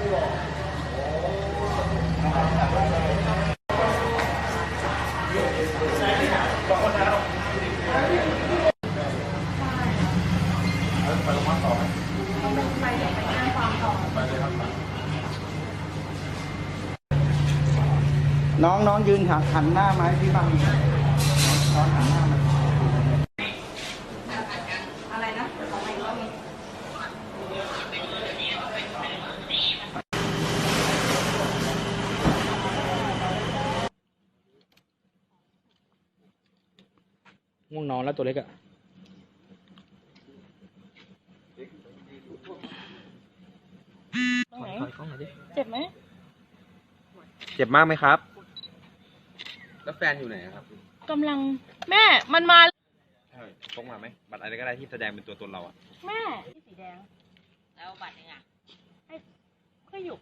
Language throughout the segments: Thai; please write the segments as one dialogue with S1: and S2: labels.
S1: ไปโรงพยาบาลต่อไหม
S2: ไปเดี๋ยวไปแจ้งความต่อ
S1: ไปเลยครับ
S3: น้องยืนหันหน้ามาให้พี่บ้างน้องหันหน้ามา
S2: อะไรนะของใหม่ก็มี
S4: ง่วงนอนแล้วตัวเล็กอะ
S2: เจ็บไหม
S5: เจ็บมากไหมครับแล้วแฟนอยู่ไหนครับ
S2: กำลังแม่มันมา
S5: ใช่พกมาไหมบัตรอะไรก็ได้ที่แสดงเป็นตัวตนเราอะ
S2: แม่ที่สีแดงแล้วบัตรยังไงให้ก็อยู่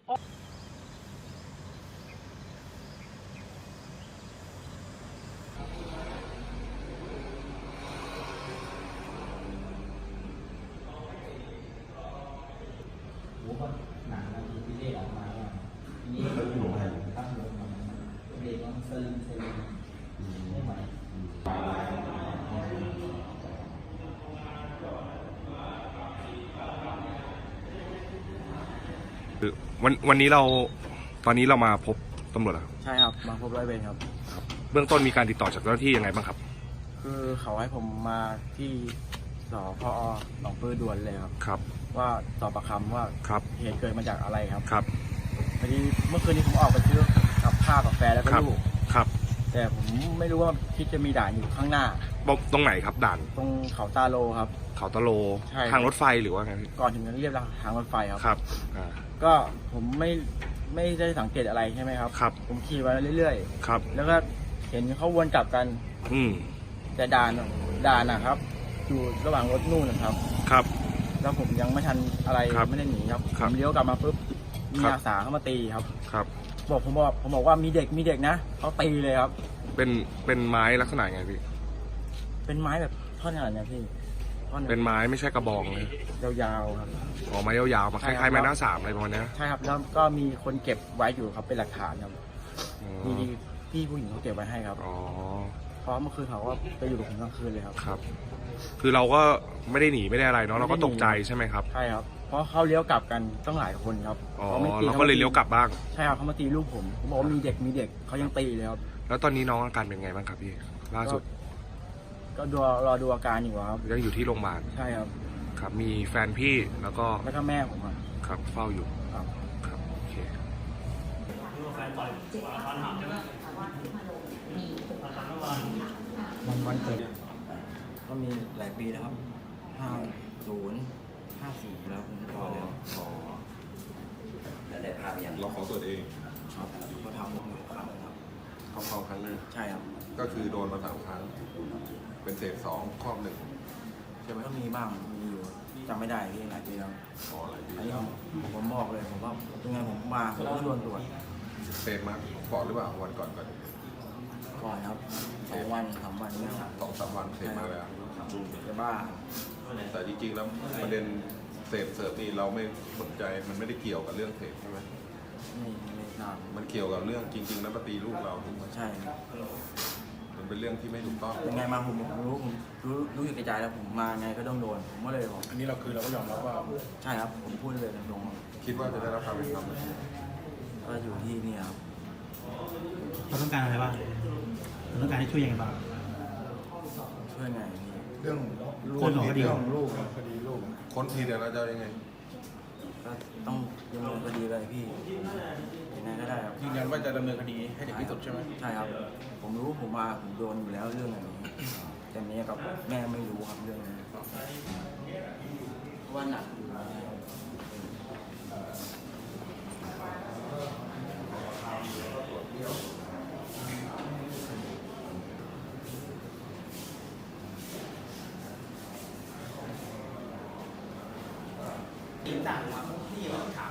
S3: หนังแล้วมีเด็กออกมาว่านี่เขาอยู่ไหนครับเด็กมันสลิมไม่ไหว
S1: วันนี้เราตอนนี้เรามาพบตำรวจแล้ว
S6: ใช่ครับมาพบร้อยเวรครับ
S1: เบื้องต้นมีการติดต่อจากเจ้าหน้าที่ยังไงบ้างครับ
S6: คือเขาให้ผมมาที่สพหนองปือด่วนเลยครับ
S1: ครับ
S6: ว่าสอบปากคำว่า
S1: ครับ
S6: เหตุเกิดมาจากอะไรครับ
S1: ครับ
S6: พอดีเมื่อคืนนี้ผมออกไปซื้อกับข้าวกับแฟนแล้วก็
S1: ครับ
S6: ลูก
S1: ครับ
S6: แต่ผมไม่รู้ว่าคิดจะมีด่านอยู่ข้างหน้า
S1: ตรงไหนครับด่าน
S6: ตรงเขาตาโลครับ
S1: เขาตะโล
S6: ใช่
S1: ทางรถไฟหรือว่าไงพี่
S6: ก่อนถึงนั้นเรียบทางรถไฟครับ
S1: ครับอ่า
S6: ก็ผมไม่ได้สังเกตอะไรใช่ไหมครับ
S1: ครับ
S6: ผมขี่มาเรื่อย
S1: ครับ
S6: ๆแล้วก็เห็นเขาวนกลับกัน
S1: อืม
S6: แต่ด่านนะครับอยู่ระหว่างรถนู่นนะครับ
S1: ครับ
S6: แล้วผมยังไม่ทันอะไร
S1: ครับ
S6: ไม่ได้หนีครับ
S1: ครับ
S6: ผมเลี้ยวกลับมาปุ๊บมี
S1: ครับ
S6: อาสาเข้ามาตีครับ
S1: ครับ
S6: ผมบอกว่ามีเด็กนะเขาตีเลยครับ
S1: เป็นไม้ลักษณะไงพี่
S6: เป็นไม้แบบท่อนขนาดเนี้ยพี่ท่อน
S1: เป็นไม้ไม่ใช่กระบองเลย
S6: ยาวๆครับ
S1: อ๋อไม้ยาวๆมาค
S6: ใช่ครับ
S1: ล้ายๆไม้หน้าสามอะไรประมาณเนี้ย
S6: ใช่ครับแล้วก็มีคนเก็บไว้อยู่ครับเป็นหลักฐานครับ
S1: อ๋อ
S6: มีพี่ผู้หญิงเขาเก็บไว้ให้ครับ
S1: อ๋อ
S6: เพราะเมื่อคืนเขาก็ไปอยู่กับผมกลางคืนเลยครับ
S1: ครับ คือเราก็ไม่ได้หนีไม่ได้อะไรเนาะเราก็
S6: ไม่ได้หนี
S1: ตกใจใช่ไหมครับ
S6: ใช่ครับเพราะเขาเลี้ยวกลับกันต้องหลายคนครับ
S1: อ๋อ
S6: ไม่ตี
S1: เราก็เลยเลี้ยวกลับบ้าง
S6: ใช่ครับเขามาตีลูกผมบอกว่ามีเด็กเขายังตีเลยครับ
S1: แล้วตอนนี้น้องอาการเป็นไงบ้างครับพี่ล่าสุด
S6: ก็รอดูอาการอยู่ครับ
S1: ยังอยู่ที่โรงพยาบาล
S6: ใช่ครับ
S1: ครับ มีแฟนพี่แล้วก็
S6: แล้วก็แม่ผมครับ
S1: ครับเฝ้าอยู่
S6: ครับ
S1: ครับโอเค
S6: วันเกิดก็มีหลายปีแล้วครับ50 54แล้วผมพอแล้วแล้วได้พาไปอย่าง
S1: เราขอตรวจเอง
S6: ครับก็ทำ1 ครั้งครับ
S1: เข้าครั้งหนึง
S6: ใช่ครับ
S1: ก็คือโดนมา3 ครั้ง เป็นเศษ2 ครอบ 1 ใช่ไหม
S6: ก็มีบ้างมีอยู่จำไม่ได้พี่หลายปีแล้ว
S1: อ๋อหลายปี
S6: อันนี้ผมบอกเลยผมว่ายังไงผมมาผมก็โดนตรวจ
S1: เศษมาก่อนหรือเปล่าวันก่อน
S6: ก่อนครับ2 วัน3 วันนี่ครับ
S1: 2-3 วันเศษมาเลยอ่ะ
S6: จะบ้า
S1: แต่จริงๆแล้วประเด็นเศษเสิร์ฟนี่เราไม่สนใจมันไม่ได้เกี่ยวกับเรื่องเศษใช่ไหม
S6: ไม่นาน
S1: มันเกี่ยวกับเรื่องจริงๆแล้วมาตีลูกเราถูกไหม
S6: ใช่
S1: มันเป็นเรื่องที่ไม่ถูกต้อง
S6: ยังไงมาผมรู้อยู่ในใจแล้วผมมาไงก็ต้องโดนผมก็เลยบอก
S4: อันนี้เราก็ยอมรับว่า
S6: ใช่ครับผมพูดเลยตรง
S1: คิดว่าจะได้รับความเป็นธรรมไหม
S6: ๆก็อยู่ที่นี่ครับ
S4: เราต้องการอะไรบ้างเราต้องการให้ช่วยยังไงบ้าง
S6: ช่วยไงพี่
S1: เรื่อง
S4: คนของคดี
S1: เรื่องลูกคดีลูกคนทีเดียวเราจะยังไง
S6: ก็ต้องดำเนินคดีเลยพี่ยังไงก็ได้ครับ
S4: ยืนยันว่าจะดำเนินคดีให้ถึงที่สุดใช่ไหม
S6: ใช่ครับ ผมรู้ผมโดนอยู่แล้วเรื่องอย่างนี้แต่เมียกับแม่ไม่รู้ครับเรื่องนี้เพราะว่าหนักอยู่แล้ว
S4: ต่างๆที่ถาม